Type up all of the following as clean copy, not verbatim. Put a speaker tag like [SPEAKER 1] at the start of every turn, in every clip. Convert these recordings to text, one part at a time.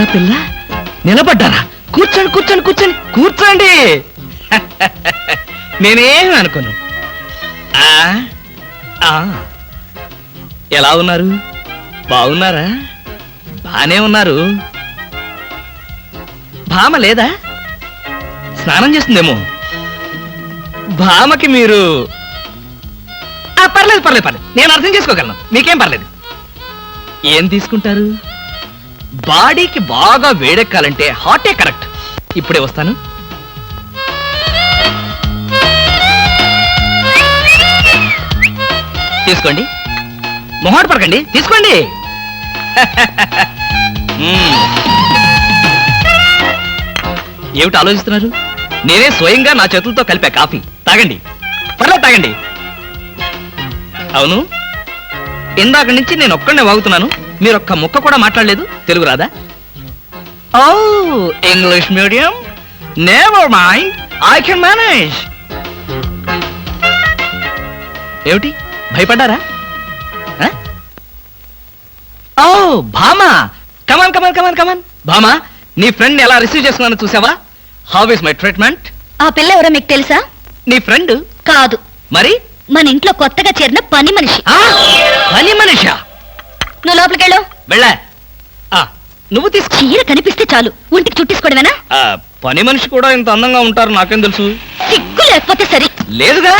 [SPEAKER 1] ఆడపిల్ల నిలబడ్డారా? కూర్చోండి కూర్చోండి కూర్చోండి కూర్చోండి. నేనేం అనుకోను. ఎలా ఉన్నారు? బాగున్నారా? బానే ఉన్నారు. భామ లేదా? స్నానం చేస్తుందేమో. భామకి మీరు పర్లేదు పర్లేదు పర్లేదు, నేను అర్థం చేసుకోగలను, మీకేం పర్లేదు. ఏం తీసుకుంటారు? బాడీకి బాగా వేడెక్కాలంటే హాటే కరెక్ట్. ఇప్పుడే వస్తాను. తీసుకోండి, మొహాట పడకండి, తీసుకోండి. ఏమిటి ఆలోచిస్తున్నారు? నేనే స్వయంగా నా చేతులతో కలిపా కాఫీ. తాగండి, పర్లేదు తాగండి. అవును, ఇందాక నుంచి నేను ఒక్కడనే వాగుతున్నాను, మీరు ఒక్క ముక్క కూడా మాట్లాడలేదు. తెలుగు రాదా? Oh, English medium. Never mind, I can manage. ఏమిటి భయపడ్డారా? ఓ భామా, కమాన్ కమాన్ కమాన్ కమాన్. భామా, నీ ఫ్రెండ్ ఎలా రిసీవ్ చేసుకున్నాను చూసావా? How is my treatment?
[SPEAKER 2] ఆ పిల్ల ఎవరో మీకు తెలుసా?
[SPEAKER 1] నీ ఫ్రెండ్
[SPEAKER 2] కాదు.
[SPEAKER 1] మరి?
[SPEAKER 2] మన ఇంట్లో కొత్తగా చేరిన పని మనిషి.
[SPEAKER 1] పని మనిషా?
[SPEAKER 2] నువ్వు లోపలికెళ్ళు.
[SPEAKER 1] వెళ్ళా. నువ్వు తీసుకో.
[SPEAKER 2] చీర కనిపిస్తే చాలు ఒంటికి చుట్టేసుకోవడమేనా?
[SPEAKER 1] పని మనిషి కూడా ఇంత అందంగా ఉంటారు నాకేం తెలుసు.
[SPEAKER 2] సిగ్గు లేకపోతే సరి.
[SPEAKER 1] లేదుగా.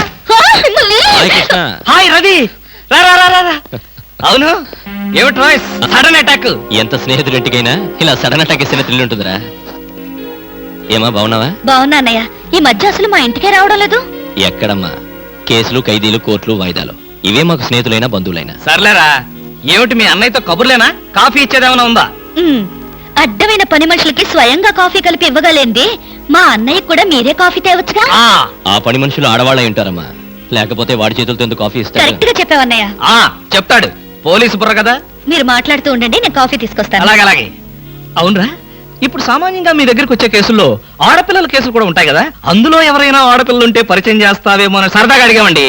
[SPEAKER 1] హాయ్ రవి, రా రా రా రా. అవును, ఏమిటి వాయిస్? Sudden attack.
[SPEAKER 3] ఎంత స్నేహితుడింటికైనా ఇలా సడన్ అటాక్ ఇస్తే థ్రిల్ ఉంటుందిరా. ఏమా బాగున్నావా?
[SPEAKER 2] బాగున్నా అన్నయ్య. ఈ మధ్య అసలు మా ఇంటికే రావడం లేదు.
[SPEAKER 3] ఎక్కడమ్మా, కేసులు, ఖైదీలు, కోర్టులు, వాయిదాలు, ఇవే మాకు స్నేహితులైనా బంధువులైనా.
[SPEAKER 1] సర్లేరా, ఏమిటి మీ అన్నయ్యతో కబుర్లేనా? కాఫీ ఇచ్చేదేమైనా ఉందా?
[SPEAKER 2] అడ్డమైన పని మనుషులకి స్వయంగా కాఫీ కలిపి ఇవ్వగలేంది మా అన్నయ్య కూడా మీరే కాఫీ తేవచ్చుగా.
[SPEAKER 3] ఆ పని మనుషులు ఆడవాళ్ళై ఉంటారమ్మా, లేకపోతే వాడి చేతులతో ఎందుకు కాఫీ ఇస్తారు?
[SPEAKER 2] కరెక్ట్ గా చెప్పావన్నయ్య.
[SPEAKER 1] చెప్తాడు, పోలీసు బుర్ర కదా.
[SPEAKER 2] మీరు మాట్లాడుతూ ఉండండి, నేను కాఫీ తీసుకొస్తాను.
[SPEAKER 1] అలాగే అలాగే. అవునరా, ఇప్పుడు సామాన్యంగా మీ దగ్గరికి వచ్చే కేసుల్లో ఆడపిల్లల కేసులు కూడా ఉంటాయి కదా, అందులో ఎవరైనా ఆడపిల్లలు ఉంటే పరిచయం చేస్తావేమో అని సరదాగా అడిగామండి.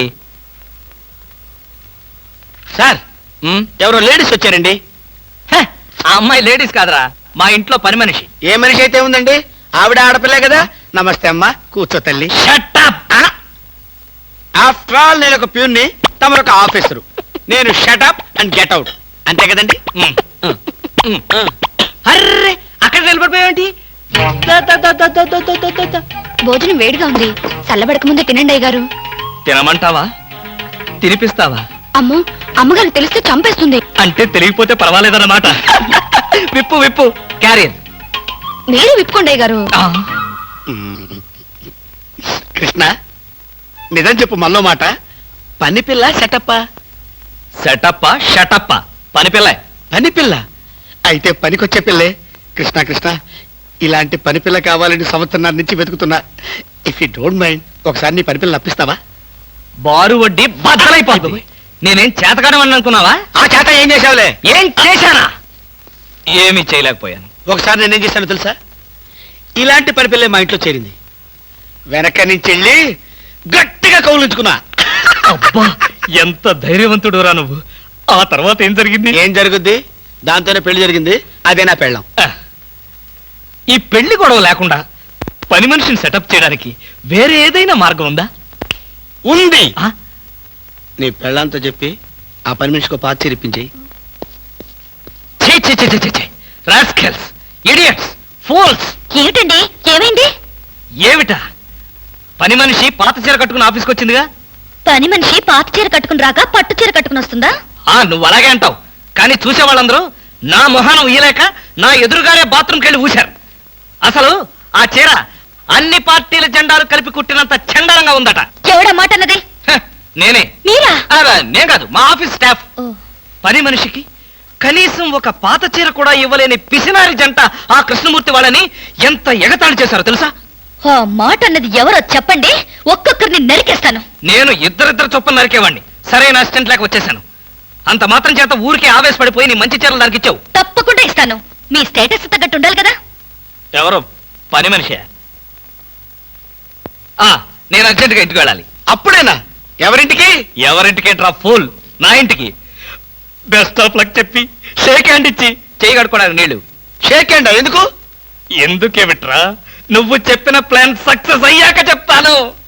[SPEAKER 1] సార్, ఎవరో లేడీస్ వచ్చారండి. ఆ అమ్మాయి లేడీస్ కాదురా, మా ఇంట్లో పని మనిషి.
[SPEAKER 4] ఏ మనిషి అయితే ఉందండి, ఆవిడ ఆడపిల్లే కదా. నమస్తే అమ్మా, కూర్చో తల్లి. ఆఫ్టర్ ఆల్ నేను ఒక ప్యూన్ని, తమరొక ఆఫీసరు. నేను షటప్ అండ్ గెట్ అవుట్, అంతే కదండి.
[SPEAKER 1] అర్రే, అక్కడ నిలబడిపోయావేంటి?
[SPEAKER 2] భోజనం వేడిగా ఉంది, చల్లబడక ముందే తినండి అయ్యగారు.
[SPEAKER 1] తినమంటావా? తినిపిస్తావా?
[SPEAKER 2] అమ్మో, అమ్మగారు తెలిస్తే చంపేస్తుంది.
[SPEAKER 1] అంటే తెలియకపోతే పర్వాలేదన్నమాట. విప్పు విప్పు, క్యారియర్.
[SPEAKER 2] మీరు విప్పుకోండి అయ్యగారు.
[SPEAKER 4] కృష్ణ, నిజం చెప్పు, మళ్ళో మాట. పని పిల్ల సెటప్పా?
[SPEAKER 1] సెటప్పా షటప్పా? పని పిల్ల.
[SPEAKER 4] పని పిల్ల అయితే పనికొచ్చే పిల్లే. కృష్ణ కృష్ణ, ఇలాంటి పని పిల్ల కావాలని సంవత్సరం నుంచి వెతుకుతున్నా. ఇఫ్ యూ డోంట్ మైండ్, ఒకసారి నీ పని పిల్ల అప్పిస్తావా?
[SPEAKER 1] బారు వడ్డీ బద్దలైపోతుంది. నేనేం చేతకాడమని అనుకున్నావా?
[SPEAKER 4] ఆ చేత ఏం చేసావులే?
[SPEAKER 1] ఏం చేశానా? ఏమీ చేయలేకపోయాను.
[SPEAKER 4] ఒకసారి నేనేం చేశాను తెలుసా? ఇలాంటి పని పిల్లే మా ఇంట్లో చేరింది. వెనక నుంచి వెళ్ళి గట్టిగా కౌలించుకున్నా.
[SPEAKER 1] అబ్బా, ఎంత ధైర్యవంతుడు రా నువ్వు. ఆ తర్వాత ఏం జరిగింది?
[SPEAKER 4] ఏం జరుగుద్ది? దాంతోనే పెళ్లి జరిగింది. అదే నా పెళ్ళం.
[SPEAKER 1] ఈ పెళ్లి గొడవ లేకుండా పని మనిషిని సెటప్ చేయడానికి వేరే ఏదైనా మార్గం ఉందా?
[SPEAKER 4] ఉంది. నీ పెళ్ళంతో చెప్పి ఆ పని మనిషికి పాత చేరిపించేయి.
[SPEAKER 1] Rascals, idiots, fools.
[SPEAKER 2] ఏమిటండి, ఏమైంది?
[SPEAKER 1] ఏమిటా? పని మనిషి పాత చీర కట్టుకుని ఆఫీస్కి వచ్చిందిగా.
[SPEAKER 2] పని మనిషి పాత చీర కట్టుకుని రాక పట్టు చీర కట్టుకుని వస్తుందా?
[SPEAKER 1] నువ్వు అలాగే అంటావు, కానీ చూసే వాళ్ళందరూ నా మొహానం ఉయ్యలేక నా ఎదురుగానే బాత్రూమ్కి వెళ్ళి ఊశారు. అసలు ఆ చీర అన్ని పార్టీల జెండాలు కలిపి కుట్టినంత చండాలంగా ఉందట.
[SPEAKER 2] ఎవడా మాట అన్నది?
[SPEAKER 1] నేనే.
[SPEAKER 2] మీరా?
[SPEAKER 1] నేను కాదు, మా ఆఫీస్ స్టాఫ్. పని మనిషికి కనీసం ఒక పాత చీర కూడా ఇవ్వలేని పిసినారి జంట ఆ కృష్ణమూర్తి వాళ్ళని ఎంత ఎగతాళి చేశారో తెలుసా?
[SPEAKER 2] ఆ మాట అన్నది ఎవరో చెప్పండి, ఒక్కొక్కరిని నరికేస్తాను.
[SPEAKER 1] నేను ఇద్దరిద్దరు చొప్పున నరికేవాడిని. సరైన అసిస్టెంట్ లేక వచ్చేసాను. అంత మాత్రం చేత ఊరికే ఆవేశపడిపోయి నీ మంచి చీరలు నరికిచ్చావు.
[SPEAKER 2] తప్పకుండా ఇస్తాను. మీ స్టేటస్ తగ్గట్టు ఉండాలి కదా.
[SPEAKER 1] ఎవరో పని మనిషి. నేను అర్జెంటుగా ఇంటికి వెళ్ళాలి.
[SPEAKER 4] అప్పుడేనా? ఎవరింటికి?
[SPEAKER 1] ఎవరింటికి డ్రా ఫూల్, నా ఇంటికి. బెస్ట్ ఆఫ్ లక్ చెప్పి షేక్ హ్యాండ్ ఇచ్చి చేయి కడుకోవడానికి నీళ్లు.
[SPEAKER 4] షేక్ హ్యాండ్ ఎందుకు?
[SPEAKER 1] ఎందుకే విట్రా నువ్వు చెప్పిన ప్లాన్ సక్సెస్ అయ్యాక చెప్తాను.